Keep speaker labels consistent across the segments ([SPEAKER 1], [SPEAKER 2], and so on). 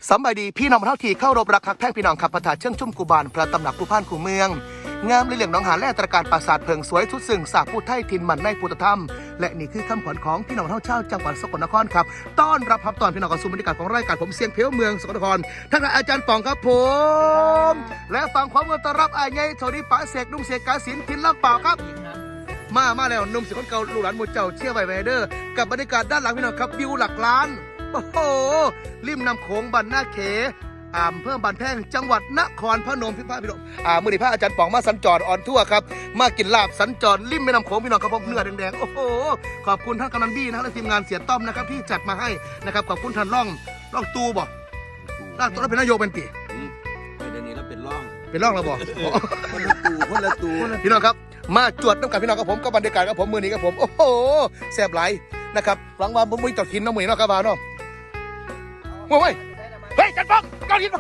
[SPEAKER 1] สำบายดีพี่น้องเท่าที่เข้ารบรักคักแท่งพี่น้องขับประทาเชื่องชุ่มกูบานพระตำหนักผู้พ่านขู่เมืองงามเรื่องน้องหาและตระการปราสาทเพิงสวยทุดซึ่งสาผู้ไทยทินมันในพุทธธรรมและนี่คือคำขวัญของพี่น้องเท่าเช่าจังหวัดสกลนครครับต้อนรับตอนพี่น้องกระสุนบรรยากาศของรายการผมเสียงเพลวเมืองสกลนครท่านอาจารย์ป่องครับผมและฟังความต้อนรับอาใหญ่โทนี่ป๋าเสกนุ่มเสกกาสินทินลำเปล่าครับมาแล้วนุ่มเสียงคนเก่าลูกหลานหมู่เจ้าเชี่ยวไวเดอร์กับบรรยากาศด้านหลังพี่น้องครับวิวหลักล้านโอ้โหริมน้ำโขงบันหน้าเขอำเภอบ้านแพงจังหวัดนครพนมพี่น้องมือดีพระอาจารย์ป๋องมาสัญจรออนทั่วครับมากินลาบสัญจรริมแม่น้ำโขงพี่น้องครับผมเนื้อแดงๆโอ้โหขอบคุณท่านกำนันบี้นะและทีมงานเสียต้อมนะครับที่จัดมาให้นะครับขอบคุณท่านร่องตูบ่ร่างตัวเป็นนายกเป็นปี
[SPEAKER 2] เดี๋ยวนี้เราเป็นร่อง
[SPEAKER 1] แล้วบ่
[SPEAKER 2] คนละตู
[SPEAKER 1] พี่น้องครับมาจวดน้ำกันพี่น้องกับผมก็บรรยากาศกับผมมือนี้กับผมโอ้โหแซ่บไหลนะครับหลังวันผมมีต่อขินน้ำมือเนาะครับเนาะเฮ้ยจันฟองก้อนหิน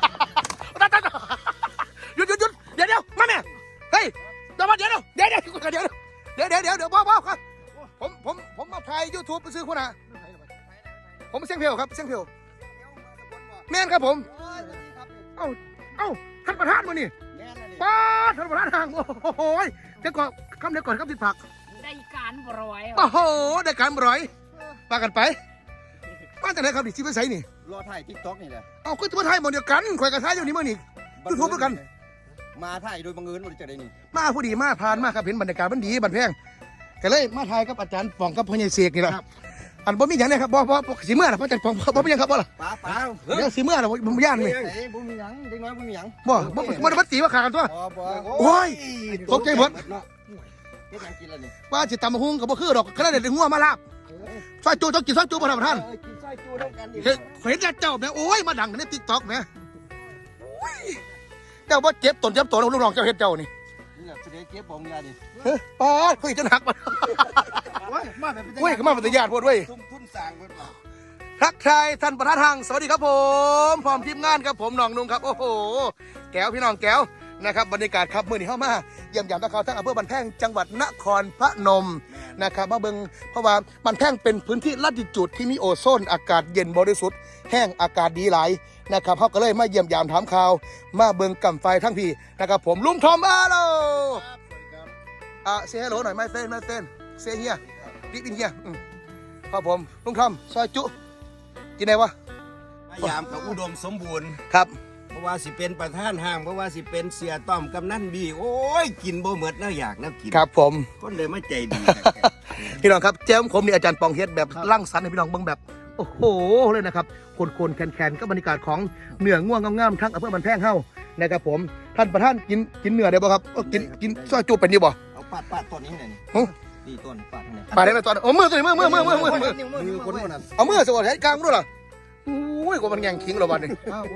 [SPEAKER 1] หยุดเดี๋ยวมาแม่เฮ้ยเดี๋ยวพ่อครับผมมาถ่ายยูทูบไปซื้อคุณอะผมเสียงเพลครับเสียงเพลแม่นครับผมเอ้าท่านประธานมานี่ป้าท่านประธานห่างโอ้โหเดี๋ยวก่อนคำเดียวก่อนครับติดผัก
[SPEAKER 3] ได้การบร้อย
[SPEAKER 1] โอ้โหได้การบร้อยปากันไปมาจากไหนครับดิชิบะไซนี่
[SPEAKER 2] รอถ่ายทิกต็อกนี่แหละ
[SPEAKER 1] เอาก็จะมาถ่ายหมดเดียวกันข่อยกับถ่ายอยู่นี่มื่อนี่ยูทูบด้วยกัน
[SPEAKER 2] มาถ่ายโดยบังเอิญมันจะได้นี่
[SPEAKER 1] มาพอดีมาผ่านมาครับเห็นบรรยากาศมันดีบันแพงก็เลยมาถ่ายกับอาจารย์ป่องกับพ่อใหญ่เสกนี่แหละอันบ่มีอย่างนี้ครับบ่สีเมื่อนะพ่ออาจารย์ป่องบ่มีอย่างครับบ่ล่ะ
[SPEAKER 2] ป้า
[SPEAKER 1] เดี๋ยวสีเมื่อนะผมย่านนี่
[SPEAKER 2] บ่มีหยังเด็กน้อยบ่มีหยัง
[SPEAKER 1] บ่ได้ตีว่าขากันตัวโอ้ยตกใจหมดว่าจิตตำมะฮุ่งกับบ่คือดอกขนาดเด็ดหัวมาลาบซอยจูต้องกินซอยจูบ่ท่านประธานเห็นเจ้าแม่โอ้ยมาดังในติ๊กต็อกแม่เจ้าว่าเจ็บตนลูกน้องเจ้าเห็นเจ้านี่
[SPEAKER 2] เสด็จเก็บบ่มีอะไรดิ
[SPEAKER 1] ป้าคุยจนหักมันเว้ยก็มาเป็นญาติพวดเว้ย
[SPEAKER 2] ทุ่นสร้างเพิ่นมา
[SPEAKER 1] ทักทายท่านประธานทางสวัสดีครับผมพร้อมทีมงานครับผมน้องนุ่งครับโอ้โหแก้วพี่น้องแก้วนะครับบรรยากาศครับมื้อนี้เข้ามาเยี่ยมยามตะเขาทั้งอำเภอบ้านแพงจังหวัดนครพนมนะครับมาเบิ่งเพราะว่าบ้านแพงเป็นพื้นที่ลัติจูดที่มีโอโซนอากาศเย็นบริสุทธิ์แห้งอากาศดีหลายนะครับเขาก็เลยมาเยี่ยมยามถามข่าวมาเบิ่งกำไฟทั้งพี่นะครับผมลุงทอมอาโลเซฮัลโหลหน่อยไม่เต้นเซเฮียดิบินเฮียครับผมลุงทอมซอยจุกินไหนวะ
[SPEAKER 2] ยามเขาอุดมสมบูรณ์
[SPEAKER 1] ครับ
[SPEAKER 2] เพราะว่าสิเป็นประธานห้างเพราะว่าสิเป็นเสียต้อมกำนันบีโอ้ยกินบ่หมดน่าอยากน่ากิน
[SPEAKER 1] ครับผม
[SPEAKER 2] คนเลยไม่ใจดี
[SPEAKER 1] พี่น้องครับแจ้มผมนี่อาจารย์ปองเฮ็ดแบบร่างสรรค์ให้พี่น้องเบิ่งแบบโอ้โหเลยนะครับคนแคนก็บรรยากาศของเนื้อง่วงงามๆทั้งอำเภอบ้านแพงเฮานะครับผมท่านประธานกินเนื้อได้บ่ครับกินซอยจูเป็นอยู่บ่
[SPEAKER 2] เอาปาดต้นนี้ไหนนี่ต้นปาดไหน
[SPEAKER 1] ปาดได้ไหมตอนโอ้มือตัวนี้มือ
[SPEAKER 2] คนนั้น
[SPEAKER 1] เอามือสวัสดิ์กลางด้วยเหรอโอ้ยกว่ามันแย่งขิงเราบ้านนี่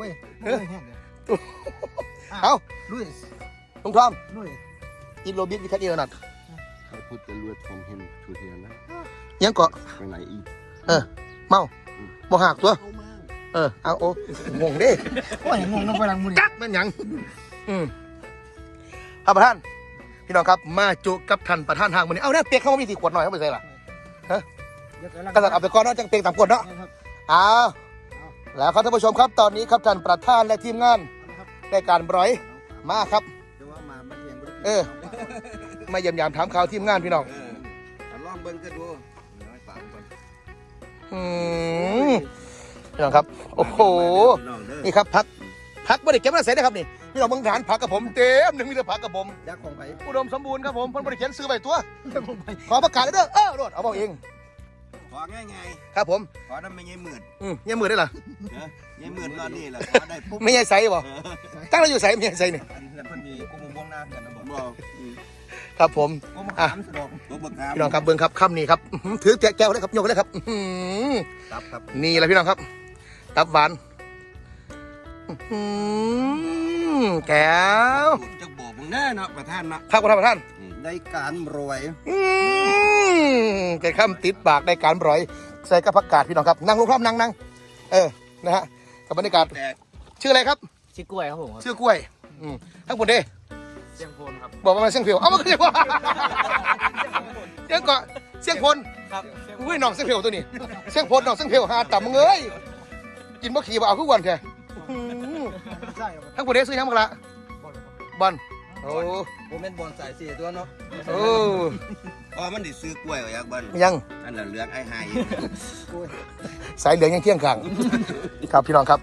[SPEAKER 1] เอา
[SPEAKER 2] ลุย
[SPEAKER 1] ลุงทอมอินโรบิทวิคัตเอร์นัท
[SPEAKER 2] เขาพูดจะรวยทอมเห็นชูเทียนนะ
[SPEAKER 1] ยังเกาะ
[SPEAKER 2] ไปไหนอี
[SPEAKER 1] เมาบ่หักตัวเอาโอ้งงดิ
[SPEAKER 3] โอ้ยงงน้องพลังมือ
[SPEAKER 1] จักเป็นยังท่านประธานพี่น้องครับมาจุกับท่านประธานทางวันนี้เอาเนี่ยเปียกเข้ามามี4 ขวดหน่อยเข้าไปใส่ละกระสับเอาไปก่อนเนาะจังเปียกตามกฎเนาะแล้วครับท่านผู้ชมครับตอนนี้ครับท่านประธานและทีมงานได้การบร้อยมาครับมาเยี่ยมยามถามข่าวทีมงานพี่น้อง
[SPEAKER 2] ลองเบิ้งก็ดู
[SPEAKER 1] พี่น้องครับโอ้โหนี่ครับพักไม่ได้เก็บมาใส่นะครับนี่พี่น้องเมืองฐานผักกับผมเต็มหนึ่งมีแต่ผักกับผม
[SPEAKER 2] ยักษ์ของไผ่
[SPEAKER 1] อุดมสมบูรณ์ครับผมเพิ่นบริเขียนซื้อใบตัวขอประกาศเด้อรถเอาบอกเอง
[SPEAKER 2] ของ่าย
[SPEAKER 1] ครับผม
[SPEAKER 2] ขอได้ไม่ใช่หมื่น
[SPEAKER 1] ยังหมื่นได้เหรอ
[SPEAKER 2] ยังหมื่นตอนนี้แหละขอได้
[SPEAKER 1] ไม่ใช่ไซส์บ่ตั้งเราอยู่ไซส์ไม่ใช่ไซส์นี่
[SPEAKER 2] มันมีกุ้งวงหน้ากันนะบอก
[SPEAKER 1] ครับผมพี่น้องครับเบิ้งครับค่ำนี้ครับถือแก้วเลยครับโยกเลยครับนี่แหละพี่น้องครับตับหวานแก้ว
[SPEAKER 2] จะบอกมึงแน่เนาะประธานเนาะ
[SPEAKER 1] ครับประธาน
[SPEAKER 2] ได้การรวย
[SPEAKER 1] แกข้ามติดปากได้การรวยใส่กระพักกาดพี่น้องครับนั่งลงครับนั่งนะฮะกับบรรยากาศชื่ออะไรครับ
[SPEAKER 3] ชื่อกล้วยครับผม
[SPEAKER 1] ชื่อกล้วยทั้งหมดเด้
[SPEAKER 3] เสียงโพนครับ
[SPEAKER 1] บอกมาเสียงเพียวเอามาคือว่าเสียงเกาะเสียงพลครับอุ้ยน้องเสียงเพียวตัวนี้เสียงพลน้องเสียงเพียวหาต่ำมึงเอ้ยกินบ่ขี่บ่เอาคือวันแท้ทั้งผู้ใดซื้อยังบักละบอลโอ้
[SPEAKER 2] ผมเป็นบอลสายสี่ตัวเนาะ
[SPEAKER 1] โอ้
[SPEAKER 2] อ๋อมันดิซื้อกล้วยไว้ยักบัน
[SPEAKER 1] ยัง
[SPEAKER 2] อันนั้นเหลืองไอ้หาย
[SPEAKER 1] สายเหลืองยังเที่ยงกลางครับพี่น้องครับ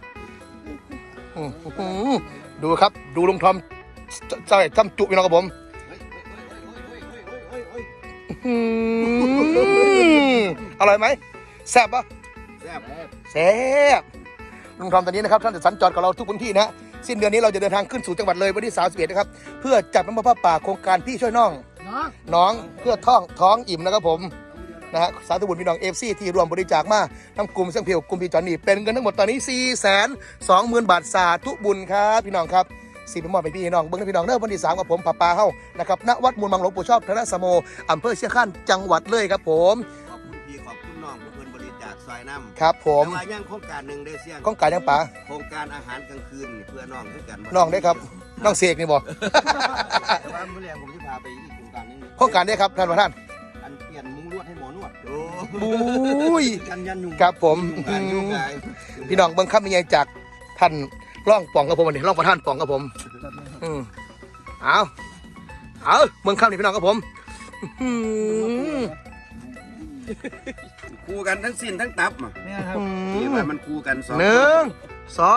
[SPEAKER 1] ดูครับ ดูลุงทอมใส่จำจุพี่น้องกับผมอร่อยไหมแซ่บปะ
[SPEAKER 2] แซ่บ
[SPEAKER 1] แซ่บลุงทอมตอนนี้นะครับท่านจะสัญจรกับเราทุกพื้นที่นะสิ้นเดือนนี้เราจะเดินทางขึ้นสู่จังหวัดเลยวันที่31นะครับเพื่อจัดน้ำมันผ้าป่าโครงการพี่ช่วยน้องน้องเพื่อท้องอิ่มนะครับผมนะฮะสาธุบุญพี่น้องเอฟซีที่รวมบริจาคมาทั้งกลุ่มเสี่ยงเพียวกลุ่มพี่จอนนี่เป็นเงินทั้งหมดตอนนี้ 420,000 บาทสาธุบุญครับพี่น้องครับสีเป็นมอดไปพี่น้องเบิ้งพี่น้องเริ่มวันที่3กับผมป้าปาเฮ้านะครับณวัดมูลมังหลวงปู่ชอบธนสโมอำเภอเชียงคานจังหวัดเลยครับผม
[SPEAKER 2] ขอบคุณพี่ขอบคุณน้องเพื่อนบริจาคซอยน้ำ
[SPEAKER 1] ครับผม
[SPEAKER 2] แต่ว่ายังโครงการหนึ่งได้เสี่ยง
[SPEAKER 1] ข้องการยังป๋า
[SPEAKER 2] โครงการอาหารกลางคืนนี่เพื่อน้องด้วยกัน
[SPEAKER 1] น้องได้ครับน้องเสกนี่บอก
[SPEAKER 2] แต่ว่าเมื่อแรงผมจะพาไปอีกโครงการนึง
[SPEAKER 1] ข้องการได้ครับท่านประธาน
[SPEAKER 2] อันเปลี่ยนมุ้งลวดให้หมอนวดโอ้
[SPEAKER 1] บุ้ย
[SPEAKER 2] กันยันยุง
[SPEAKER 1] ครับผม
[SPEAKER 2] ยุงกาย
[SPEAKER 1] พี่น้องเบิ้งคำยังไงจากท่านร่องป่องกับผมวันนี้ร่องประธานป่องกับผมเอาเบิ้งคำนี่พี่น้องกับผมอื้อ
[SPEAKER 2] คู่กันทั้งสิ้นทั้งตับอ่ะ
[SPEAKER 3] เนี่ยครับ
[SPEAKER 2] นี่ว่ามันคู่กันสอง
[SPEAKER 1] หนึ่งสอง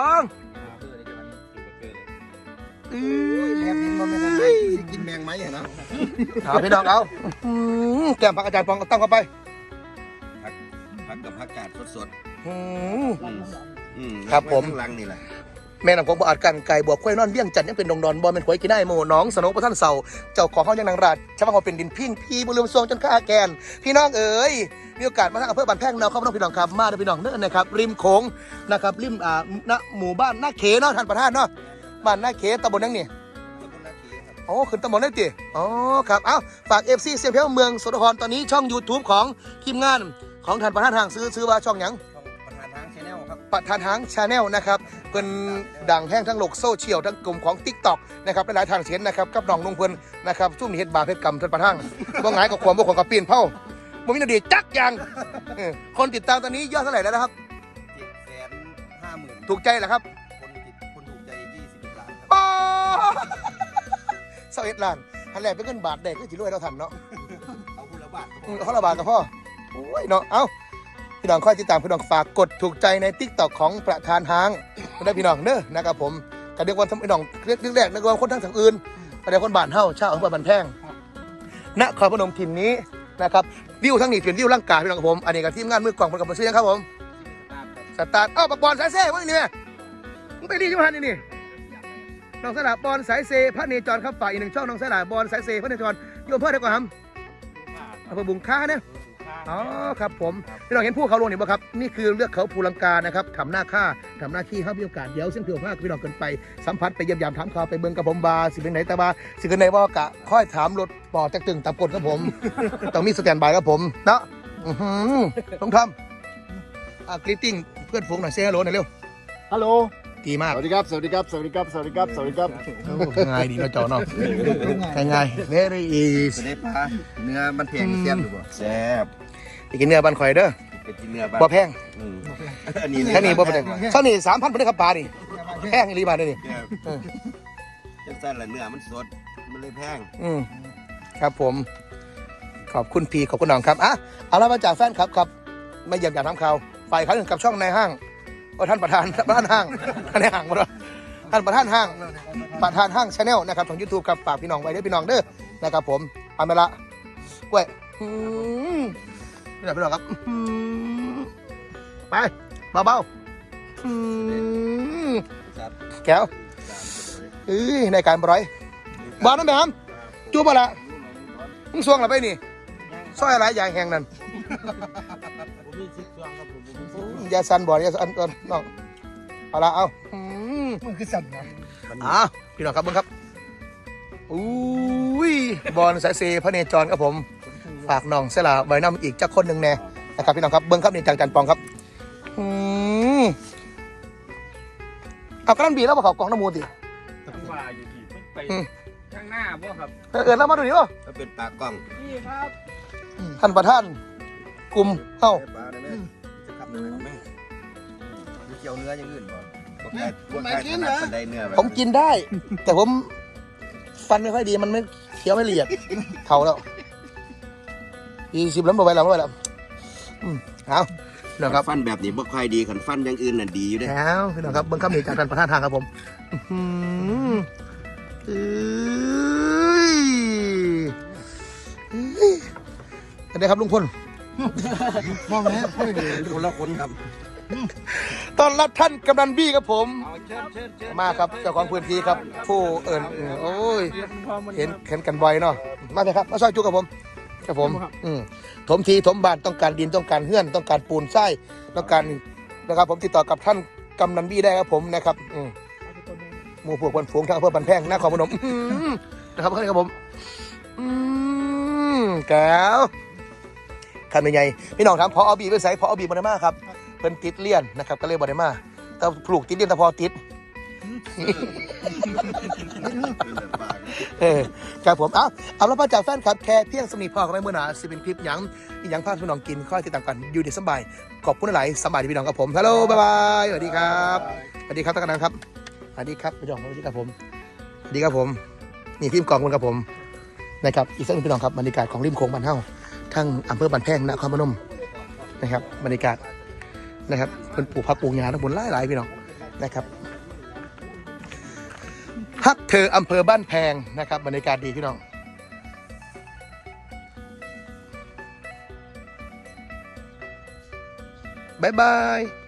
[SPEAKER 2] แอบกินมันไม่ทันไรกินแมงไหมเหรอ
[SPEAKER 1] เอาพี่น้องเอาแก้มผักอาจารย์ปองตั้งเข้าไป
[SPEAKER 2] ผักกับผักกาดสด
[SPEAKER 1] ครับผม
[SPEAKER 2] ข้างหลังนี่แหละ
[SPEAKER 1] แม่นำผมบ่อาจกันไก่บวกควายนอนเบี้ยงจันทร์ยังเป็นดงดอนบอลเป็นขวยกินได้โมน้องสนองประท่านเสาเจ้าของห้องยังนางราชชาวบ้านเป็นดินพิ้งพี่บุญเรืองทรงจนข้าแกนพี่น้องเอ๋ยมีโอกาสมาทางอำเภอบ้านแพงเราเข้ามาพี่น้องครับมาด้วยพี่น้องเนื้อนะครับริมโขงนะครับริมณหมู่บ้านนาเขเนาะท่านประธานเนาะบ้านนาเขตำบลนั่งนี่โอ้ขึ้นตำบลได้จีอ๋อครับเอ้าฝาก FC เสียงเพลงเมืองสกลนครตอนนี้ช่อง YouTube ของทีมงานของท่านประธานห่างซื้อว่าช่องหยัง ประธานทางชาแนลนะครับเป็นดังแห้งทั้งโลกโซเชียลทั้งกลุ่มของ TikTok นะครับหลายๆทางเช่นนะครับกับน้องนุ่งเพิ่นนะครับช่วงนี้เฮ็ดบาปเฮ็ดกรรมท่านประธานบ่หงายกับความบ่ของกับปีนเผาบ่มีนาดีจักอย่างคนติดตามตอนนี้ยอดเท่าไหร่แล้วนะครับ
[SPEAKER 2] 750,000
[SPEAKER 1] ถูกใจเหรอครับ
[SPEAKER 2] คนถูกใจ21 ล้าน
[SPEAKER 1] โอ้21 ล้านอันแรกเป็นเงินบาทได้คือสิรวยเราทันเนาะ
[SPEAKER 2] เอาคุณละบาท
[SPEAKER 1] เขาละบาทกับพ่อโอ้ยเนาะเอ้าพี่น้องค่อยติดตามพี่น้องฝากกดถูกใจใน TikTok ของประธานห้างได้พี่น้องเด้อนะครับผมกระเดียววันพี่น้องเรียกแรกนึกว่าคนทั้งอื่นกระเดียวคนบ้านเฮาชาวอำเภอบ้านแพงนครพนมถิ่นนี้นะครับวิวทั้งนี้เป็นวิวร่างกายพี่น้องกับผมอันนี้กับทีมงานมือกล่องมันกับมาซื้อยังครับผมสตาร์ทปักบอลสายเซ่ว่าอย่างนี้มึงไปดีจังหันนี่น้องสลาบอลสายเซพระเนจรครับฝ่ายอีกหนึ่งช่องน้องสลาบอลสายเซพระเนจรโยมเพื่อนได้ก่อนครับอำเภอบุงค้าเนี่ยอ๋อครับผมพี่น้องเห็นผู้เขาลงนี่บ่ครับนี่คือเลือกเขาภูลังกานะครับทำหน้าค่าทำหน้าขี้เขามีโอกาสเดี๋ยวเส้นเพียวผ้าพี่น้องกันไปสัมผัสไปเยี่ยมยามถามข่าวไปเบิ่งกับผมบาสิเป็นไหนแต่บาสิเป็นไหนว่ากะค่อยถามรถปอจักตึงตามกฎครับผม ต้องมีสแตนบายครับผมเนาะต้องทำกรีตติ้งเพื่อนฝูงหน่อยเซ่ฮัลโหลหน่อยเร็ว
[SPEAKER 3] ฮัลโหล
[SPEAKER 1] ดีมาก
[SPEAKER 3] สวัสดีครับ สวัสดีครับ สวัสดีครับ สวัสดีครับ สวัสดีครับ
[SPEAKER 1] ง่ายดีเนาะจอเนาะง่ายๆ very easy
[SPEAKER 2] จะได้ปลาเนื้อมันแพงแซ่บหรือเปล่าแซ่บ
[SPEAKER 1] ไปกินเนื้อบันข่อยเด้อ
[SPEAKER 2] เป็นกินเนื้อบ้าน
[SPEAKER 1] บ่แพง
[SPEAKER 2] อันนี้
[SPEAKER 1] แค่นี้บ่เป็นเท่านี้3,000เป็นครับปลานี่แพงอีหลีบาทนี่
[SPEAKER 2] จังสั้นละเนื้อมันสดมันเลยแพง
[SPEAKER 1] ครับผมขอบคุณพี่ขอบคุณน้องครับอ่ะเอาละมาจากแฟนครับมาเยี่ยมอยากทำข่าวฝ่ายเขากับช่องในห้างท่านประธานห้างในห้างมาด้วยท่านประธานห้างชาแนลนะครับของ YouTube ครับฝากพี่น้องไว้ด้วยพี่น้องเด้อนะครับผมเอาไปละกล้วยพี่น้องครับไปเบาๆแก้วในการบร้อยบอลน้ำแบบจูบละมึงสวงหรือไปนี่ซอยอะไรอย่างแห่งนั้นยาสันบ่อยาสันน้องเอาละเอามันคือสันนะพี่น้องครับเบิ้งครับอุ้ยบอลสายเซพระเนจรครับผมฝากน้องเสลาใบน้ำอีกจักคนหนึ่งแน่นะครับพี่น้องครับเบิ้งครับนี่จากจันปองครับเอากระดานบีแล้วมาเขากองน้ำมูลสิ
[SPEAKER 3] ว่าอยู่ที่ไปข้างหน้าบ่ครับ
[SPEAKER 1] แล้วมาดูดิวะ
[SPEAKER 2] ถ้าเป็นปลากล้อง
[SPEAKER 3] นี่ครับ
[SPEAKER 1] ท่านประธานกลุ่มเฮ้า
[SPEAKER 2] ปลาได้ไหมจะขับได้ไหมเกี่ยวเนื้ออย่างอื่นบ่บ่ใครถนัดปานใดเนื้อแบบ
[SPEAKER 1] ผมกินได้ แต่ผมฟันไม่ค่อยดีมันไม่เคี้ยวไม่ละเอียดเท่าแล้ว40แล้วบ่ไหวแล้วเอาเนาะครับ
[SPEAKER 2] ฟันแบบนี้บ่ค่อยดีคันฟันอย่างอื่นน่ะดีอยู่เด้
[SPEAKER 1] แล้วพี่น้องครับเบิ้งคำนี้จากท่านประธานทางครับผมอันนี้ครับลุงพล
[SPEAKER 2] มองแล้วค่อยดีคนละคนครับ
[SPEAKER 1] ตอนรับท่านกำนันบี้ครับผม
[SPEAKER 3] เอาเชิญ
[SPEAKER 1] มาครับเจ้าของพื้นที่ครับผู้โอ้ยเห็นกันบ่อยเนาะมาเลยครับมาซอยจุกับผมครับผมถมทีถมบ้านต้องการดินต้องการเฮื่อนต้องการปูนทรายต้องการนะครับผมติดต่อกับท่านกำนันบี้ได้ครับผมนะครับหมู่พวกคนฝูงทางอำเภอบันแพงนครพนมนะครับครับผมแก้วคันเป็นไงพี่น้องครับพอเอาบีไปใส่พอเอาบีบอลมาครับเป็นติดเลี่ยนนะครับก็เลยบอลมาแต่ปลูกติดเลี่ยนแต่พอติดครับผมเอาแล้วมาจากแฟนครับแค่เพียงสมีพ่อกับแม่เมื่อหนาสิเป็นคลิปยังพาพี่น้องกินข้าวที่ต่างกันอยู่ดีสบายขอบคุณหลายสบายดีพี่น้องครับผมฮัลโหลบ๊ายบายสวัสดีครับสวัสดีครับท่านกำนันครับสวัสดีครับพี่น้องสวัสดีครับผมสวัสดีครับผมนี่ทีมกองคนครับผมนะครับอีกสักหนึ่งพี่น้องครับบรรยากาศของริมโขงบ้านเฮาทั้งอำเภอบ้านแพงนครพนมนะครับบรรยากาศนะครับเป็นปลูกผักปลูกหญ้าทั้งบนหลายๆพี่น้องนะครับฮักเธออำเภอบ้านแพงนะครับบรรยากาศดีพี่น้องบ๊ายบาย